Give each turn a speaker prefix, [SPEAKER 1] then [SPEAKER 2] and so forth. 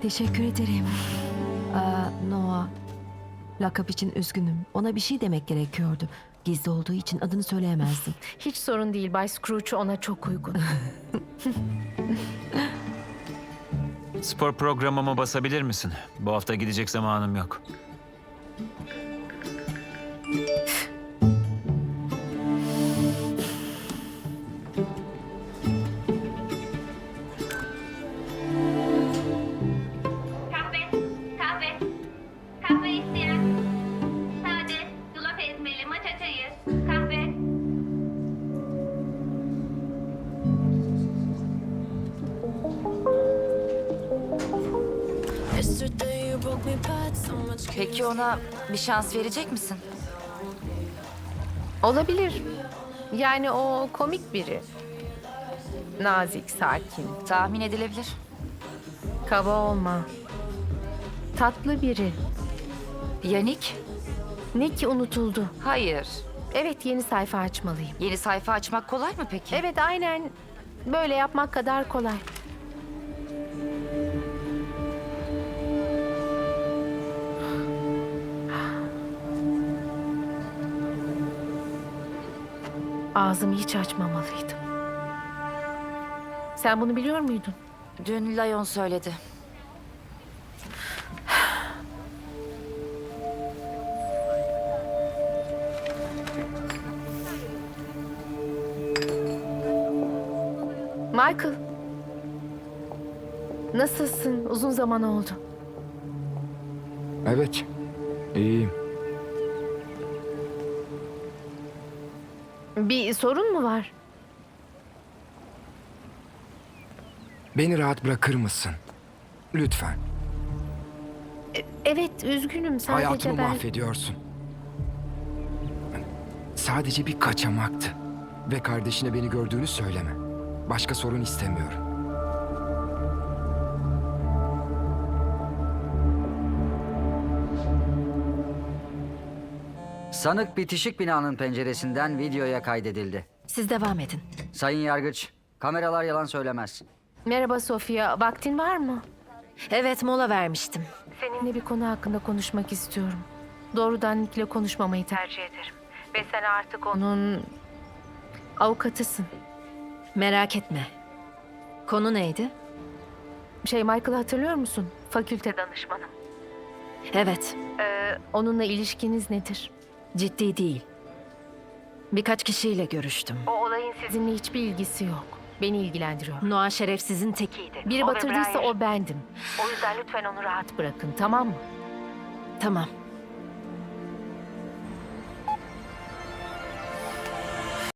[SPEAKER 1] Teşekkür ederim. Noah, lakap için üzgünüm. Ona bir şey demek gerekiyordu. Gizli olduğu için adını söyleyemezdim.
[SPEAKER 2] Hiç sorun değil. Bay Scrooge ona çok uygun.
[SPEAKER 3] Spor programıma basabilir misin? Bu hafta gidecek zamanım yok.
[SPEAKER 4] Kahve. Kahve isteyen. Sade, yulaf ezmeli, matcha çayı. Kahve.
[SPEAKER 5] Peki ona bir şans verecek misin?
[SPEAKER 2] Olabilir. Yani o komik biri. Nazik, sakin,
[SPEAKER 5] Tahmin edilebilir.
[SPEAKER 2] kaba olma. Tatlı biri.
[SPEAKER 5] Yannick?
[SPEAKER 2] Nick unutuldu.
[SPEAKER 5] Hayır.
[SPEAKER 2] Evet, yeni sayfa açmalıyım.
[SPEAKER 5] Yeni sayfa açmak kolay mı peki?
[SPEAKER 2] Evet, aynen böyle yapmak kadar kolay. Ağzımı hiç açmamalıydım. Sen bunu biliyor muydun?
[SPEAKER 5] Dün Lion söyledi.
[SPEAKER 2] Michael. Nasılsın? Uzun zaman oldu.
[SPEAKER 6] Evet, iyiyim.
[SPEAKER 2] Bir sorun mu var?
[SPEAKER 6] Beni rahat bırakır mısın? Lütfen.
[SPEAKER 2] Evet, üzgünüm. Sadece
[SPEAKER 6] Hayatımı
[SPEAKER 2] ben...
[SPEAKER 6] mahvediyorsun. Sadece bir kaçamaktı. Ve kardeşine beni gördüğünü söyleme. Başka sorun istemiyorum.
[SPEAKER 7] Sanık bitişik binanın penceresinden videoya kaydedildi.
[SPEAKER 1] Siz devam edin.
[SPEAKER 7] Sayın Yargıç, kameralar yalan söylemez.
[SPEAKER 2] Merhaba Sofia, vaktin var mı?
[SPEAKER 1] Evet, mola vermiştim.
[SPEAKER 2] Seninle bir konu hakkında konuşmak istiyorum. Doğrudan Nick'le konuşmamayı tercih ederim. Ve sen artık onun avukatısın.
[SPEAKER 1] Merak etme. Konu neydi?
[SPEAKER 2] Michael'ı hatırlıyor musun? Fakülte danışmanım.
[SPEAKER 1] Evet,
[SPEAKER 2] Onunla ilişkiniz nedir?
[SPEAKER 1] ciddi değil. Birkaç kişiyle görüştüm.
[SPEAKER 2] O olayın sizinle hiçbir ilgisi yok. Beni ilgilendiriyor.
[SPEAKER 1] Noah şerefsizin tekiydi.
[SPEAKER 2] Biri batırdıysa o bendim. O yüzden lütfen onu rahat bırakın, tamam mı?
[SPEAKER 1] Tamam.